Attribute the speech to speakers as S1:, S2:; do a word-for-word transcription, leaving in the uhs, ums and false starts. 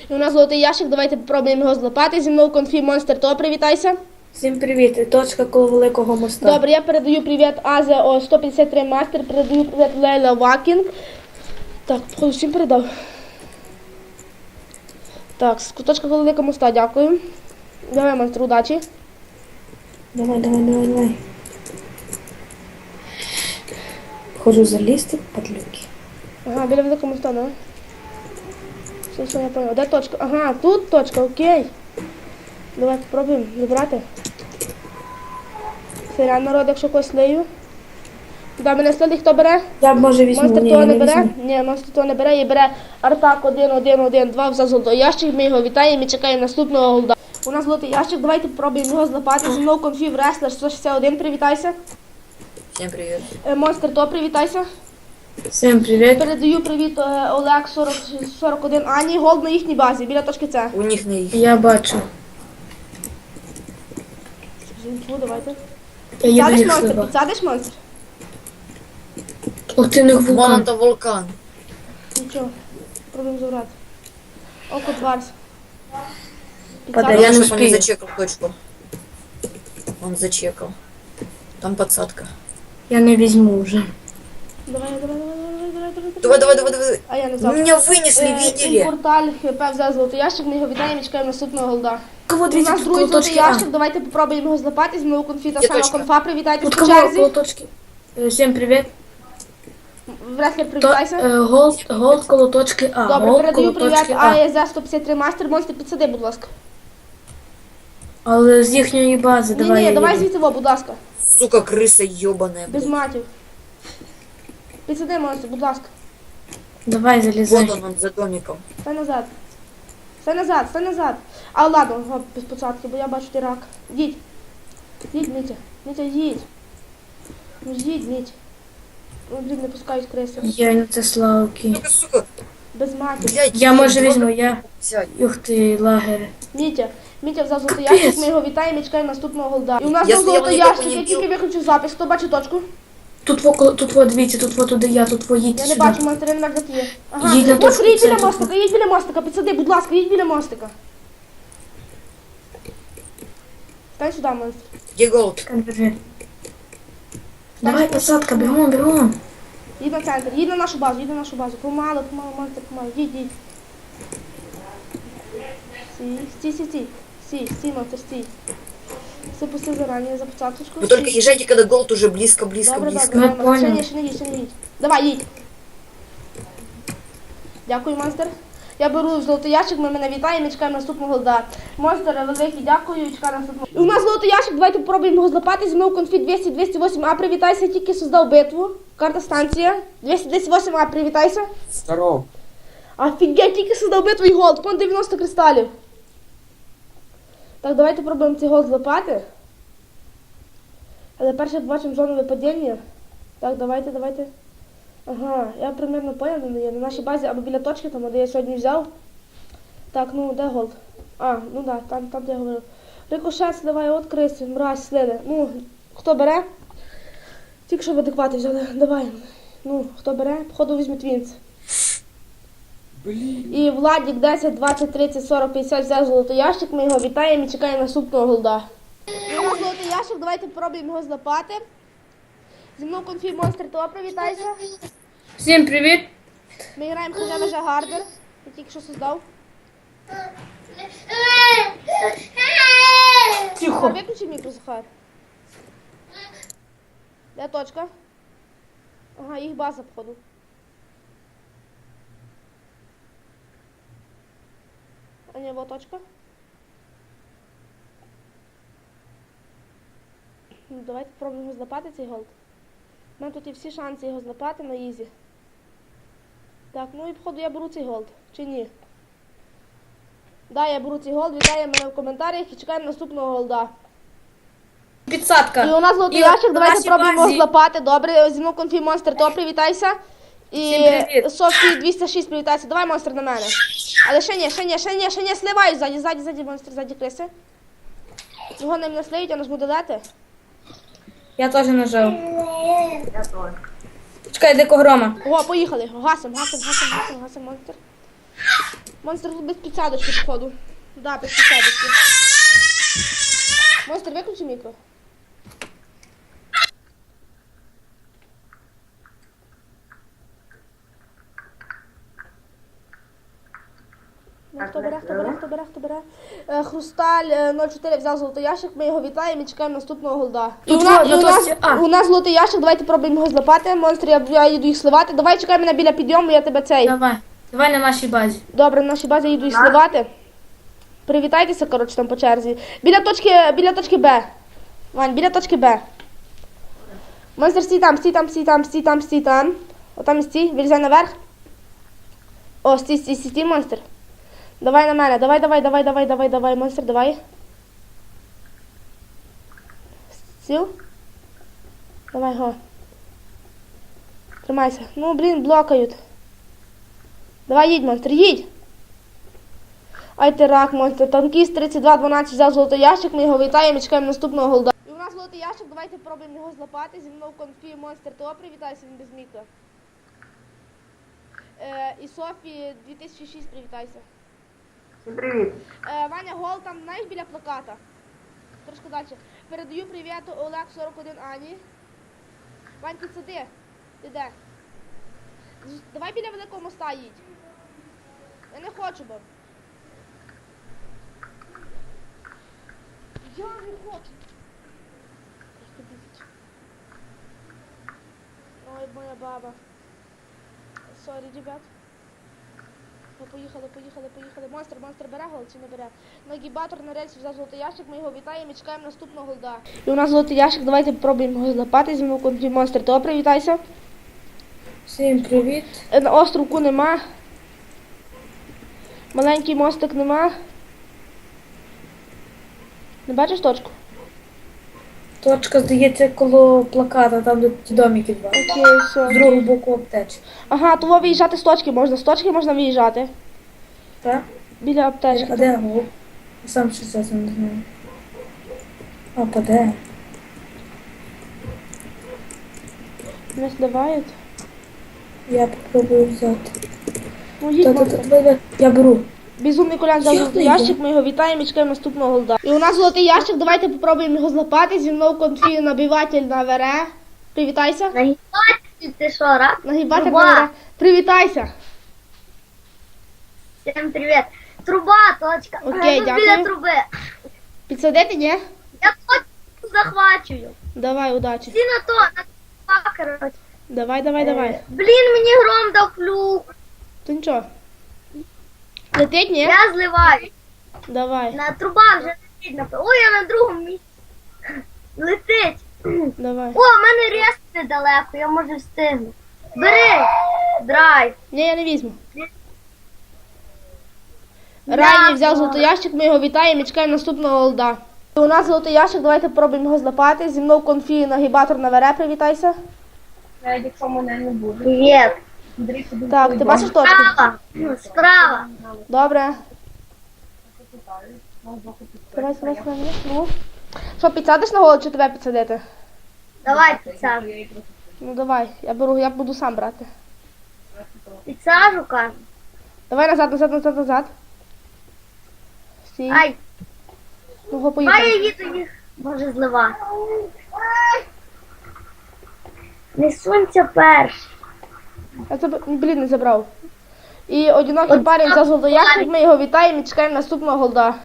S1: І у нас золотий ящик, давайте попробуємо його злопати. Зі мною Конфі Монстр, то привітайся.
S2: Всім привіт, точка коло великого моста.
S1: Добре, я передаю привіт Азія о сто п'ятдесят три Мастер, передаю привіт Лейла Вакінг. Так, походу всім передав. Так, з куточка коло великого моста, дякую. Давай, Монстр, удачі.
S2: Давай, давай, давай, давай. Хожу залізти, падлюки.
S1: Ага, біля великого моста, да? Все, все, я понял. Де точка? Ага, тут точка, окей. Давай попробуємо забрати. Сирян, народ, якщо когось лию. Да, мене слили, хто бере?
S2: Я б може візьму,
S1: Монстр
S2: ні,
S1: того
S2: я
S1: не
S2: не
S1: бере?
S2: візьму.
S1: Ні, монстр того не бере і бере Артак один один один два за золотий ящик. Ми його вітаємо і чекаємо наступного голда. У нас золотий ящик, давайте попробуємо його злопати. Зі мною Конфі Wrestler сто шістдесят один, привітайся.
S3: Всем привет.
S1: Е, Монстр то, привітайся.
S2: Всім привіт.
S1: Передаю привіт е, Олег сорок сорок один Ані, голд на їхній базі, біля точки С.
S3: У них на их.
S2: Я бачу.
S1: Жінку, давайте.
S2: Я їду
S1: Підсадиш
S2: їх
S1: монстр,
S2: слива.
S1: підсадиш монстр?
S2: Ох ти, у них
S3: Вон
S2: вулкан.
S3: это вулкан.
S1: Нічого, пробуємо забрати. Око Дварс.
S2: Падає.
S1: Підсадиш?
S2: Я не
S3: Лучше бы он не
S2: успею.
S3: зачекал точку. Он зачекал. Там подсадка.
S2: Я не візьму вже.
S1: Давай, давай, давай, давай, давай,
S3: Давай, давай, давай, давай.
S1: А я не
S3: Вы
S1: взяв.
S3: меня вынесли,
S1: Е,
S3: видели?
S1: Порталь ХП взяв золотий ящик, ми його вітаємо і чекаємо наступного голда.
S2: Кого
S1: У
S2: дивіться,
S1: нас
S2: тут
S1: другий
S2: коло
S1: золотий
S2: точки А.
S1: ящик, давайте попробуємо його злопати. З моєю конфі та
S3: Є
S1: сама
S3: точка.
S1: конфа, привітайтесь
S2: Тут
S1: по
S2: кого коло
S1: черзі.
S2: точки? Е, Всім привіт.
S1: Вреслер,
S2: То,
S1: привітайся.
S2: е, голд, голд коло точки А.
S1: Добре,
S2: Голд
S1: передаю
S2: коло
S1: привіт
S2: точки А.
S1: АЕЗ сто п'ятдесят три Мастер, монстр, підсади, будь ласка.
S2: Але з їхньої бази,
S1: Ні,
S2: давай
S1: ні,
S2: я
S1: давай
S2: їду.
S1: звідси, во, будь ласка.
S3: Сука, крыса ебаная.
S1: Без матів. Підсади, монстр, будь ласка.
S2: Давай, залізай.
S3: Вот он, он за домиком.
S1: Стай назад. Стай назад, стай назад. А, ладно, о, без посадки, бо я бачу ти рак. Їдь. Їдь, Мітя. Мітя, їдь. Ну, їдь, Мітя. Ну, блін, не пускають криси.
S2: Я не це славки.
S3: Сука, сука.
S1: Без матів.
S3: Блядь,
S2: Я може
S3: два
S2: візьму, я.
S3: взять.
S2: Ух ти, лагер.
S1: Мітя. Мітя взяв золотий
S2: Капець.
S1: ящик, ми його вітаємо і чекаємо наступного голда. І у нас
S3: Якщо
S1: був
S3: я
S1: золотий
S3: його
S1: ящик,
S3: не
S1: я
S3: б'ю-
S1: тільки виключив запис. Хто бачить точку?
S2: Тут во, коло- тут во, дивіться, тут во туди я, тут во їдь
S1: Я не
S2: сюди.
S1: бачу, монстр, я не бачу, де ти є. Ага,
S2: Їдь на
S1: Ось,
S2: точку,
S1: їдь
S2: це
S1: біля
S2: тут.
S1: мостика, їдь біля мостика, підсади, будь ласка, їдь біля мостика. Стань сюди, монстр.
S3: Где голд?
S2: Держи. Давай, посадка, бігом, бігом.
S1: Їдь на центр, їдь на нашу базу, їдь на нашу базу. Помало, помало, монстр, помало. Їдь, їдь. Стій, стій, стій, стій. Стій, стій, монстр, стій. Все пусти зарані за посадочку.
S3: Вы только езжайте, когда голд уже близко, близко,
S1: Добре,
S3: близко.
S1: добре,
S2: Ми
S1: добре. Ще
S2: поняли.
S1: ні, ще не їдь, ще не їдь. Давай, їдь. Дякую, монстр. Я беру золотий ящик, ми мене вітаємо і чекаємо наступного голда. Монстр, великий, дякую, і чекаємо наступного. І у нас золотий ящик, давайте попробуємо його злопати. Зі мною конфі двісті двісті вісім А, привітайся, тільки создав битву. Карта станція. двісті двісті вісім А, привітайся.
S4: Здоров.
S1: Офігеть, тільки создав битву і голд, пон дев'яносто кристалів. Так, давайте пробуємо цей голд злопати. Але перше бачимо зону випадіння. Так, давайте, давайте. Ага, я примерно поняв, де є. На нашій базі або біля точки, там, де я сьогодні взяв. Так, ну, де голд? А, ну да, там, там де я говорив. Рикошет сливає от криси, мразь, слили. Ну, хто бере? Тільки що в адекваті взяли. Давай. Ну, хто бере? Походу візьме твінс.
S4: Блін.
S1: І Владик десять, двадцять, тридцять, сорок, п'ятдесят взяв золотий ящик, ми його вітаємо і чекаємо наступного голда. І у нас золотий ящик, давайте спробуємо його злопати. Зі мною конфі монстр, то привітайся.
S2: Всім привіт.
S1: Ми граємо хоча вже гардер. Я тільки що создав.
S2: Тихо.
S1: Виключи мікро, Захар. Де точка? Ага, їх база, походу. А ні, вот точка. Ну, давайте спробуємо його злопати, цей голд. У мене тут є всі шанси його злопати на ізі. Так, ну і походу я беру цей голд. Чи ні? Да, я беру цей голд, вітаю мене в коментарях і чекаємо наступного голда.
S2: Підсадка.
S1: І у нас золотий
S2: І
S1: ящик,
S2: на
S1: давайте
S2: нашій
S1: спробуємо його
S2: базі-
S1: злопати. Добре, зі мною конфі монстр, то привітайся. І
S2: Всім привіт.
S1: Софі двісті шість привітайся. Давай, монстр, на мене. Але ще ні, ще ні, ще ні, ще ні, сливай ззаді, ззаді, ззаді, монстр, ззаді криси. Його не наслиють, я нажму додати.
S2: Я теж нажав. Чекай, дико грома.
S1: О, поїхали. Гасим, гасим, гасим, гасим, гасим, монстр. Монстр тут без підсадочки, походу. Да, без підсадочки. Монстр, виключи мікро. Ну, хто бере, хто бере, хто бере, хто бере. Е, Хрусталь е, нуль чотири взяв золотий ящик, ми його вітаємо і чекаємо наступного голда. І
S2: Тут
S1: у, нас,
S2: во-
S1: і
S2: на
S1: у, нас,
S2: точці А.
S1: у нас золотий ящик, давайте пробуємо його злапати. Монстр, я, я їду їх сливати. Давай чекай мене біля підйому, я тебе цей.
S2: Давай. Давай на нашій базі.
S1: Добре, на нашій базі їду їх сливати. Привітайтеся, коротше, там по черзі. Біля точки, біля точки Б. Вань, біля точки Б. Монстр, стій там, стій там, стій там, стій там, стій там. Отам і стій, вилізай наверх. О, стій, стій, стій, стій, монстр. Давай на мене, давай, давай, давай, давай, давай, давай, монстр, давай. Сіл? Давай, го. Тримайся. Ну, блін, блокають. Давай, їдь, монстр, їдь. Ай ти рак, монстр. Танкіст тридцять два дванадцять взяв золотий ящик, ми його вітаємо і чекаємо наступного голда. І у нас золотий ящик, давайте пробуємо його злапати. Зі мною в конфі монстр ТО, привітайся, він без мікро. Е, і Софі дві тисячі шість, привітайся.
S4: Всім привіт.
S1: Е, Ваня Гол там, знаєш, біля плаката. Трошки далі. Передаю привіт Олег сорок один Ані. Вань, підсади. Ти де? З- Давай біля великого моста їдь. Я не хочу, бо. Я не хочу. Просто бісить. Ой, моя баба. Сорі, ребят. Ну, поїхали, поїхали, поїхали. Монстр, монстр бере гол чи не бере? Нагібатор на рельсі взяв золотий ящик, ми його вітаємо і чекаємо наступного голда. І у нас золотий ящик, давайте попробуємо його злапати. Зі мною конфі монстр ТО, привітайся.
S2: Всім привіт.
S1: Е, На островку нема. Маленький мостик нема. Не бачиш точку?
S2: Точка, здається, коло плаката, там де ті домики два.
S1: Окей, все.
S2: З другого боку аптечки.
S1: Ага, того виїжджати з точки можна. З точки можна виїжджати.
S2: Так?
S1: Біля аптечки.
S2: А де гол? Я сам щось це не знаю. А, паде.
S1: Не сливають.
S2: Я попробую взяти.
S1: Ну, їдь,
S2: Та-та-та,
S1: монстр.
S2: давай, давай. Я беру.
S1: Безумний Колян взяв
S2: Я
S1: золотий
S2: не
S1: ящик, ми його вітаємо і чекаємо наступного голда. І у нас золотий ящик, давайте попробуємо його злапати. Зі мною конфі набиватель на вере. Привітайся.
S4: Нагибатель, ти що, рад?
S1: Нагибатель
S4: Труба.
S1: на вере. Привітайся.
S4: Всім привіт. Труба, точка.
S1: Окей,
S4: Тут
S1: дякую.
S4: біля труби.
S1: Підсадити, ні?
S4: Я точку захвачую.
S1: Давай, удачі.
S4: Всі на то, на труба, коротше.
S1: Давай, давай, давай.
S4: Блін, мені гром дав флюк.
S1: То нічого. Летить, ні?
S4: Я зливаю.
S1: Давай,
S4: На труба вже летить. на- Ой, я на другому місці. Летить.
S1: давай.
S4: О, в мене рез недалеко, я можу встигнути. Бери. Драйв.
S1: Ні, я не візьму. Райні взяв золотий ящик, ми його вітаємо і чекаємо наступного голда. І у нас золотий ящик, давайте попробуємо його злапати. Зі мною конфі нагибатор на вере, привітайся.
S4: Привіт.
S1: Так, ти бачиш точку?
S4: Справа. Справа.
S1: Добре. Давай, давай, давай. Ну. Що, підсадиш на голову чи тебе підсадити?
S4: Давай підсажу.
S1: Ну давай, я беру, я буду сам брати.
S4: Підсажу, кажу.
S1: Давай назад, назад, назад, назад. Стій.
S4: Ай,
S1: Ну, го,
S4: давай я
S1: поїхали.
S4: їду їх. Може злива. Не сунься перш.
S1: Я тебе, блін, не забрав. І одинокий парень взяв золотий ящик, ми його вітаємо і чекаємо наступного голда.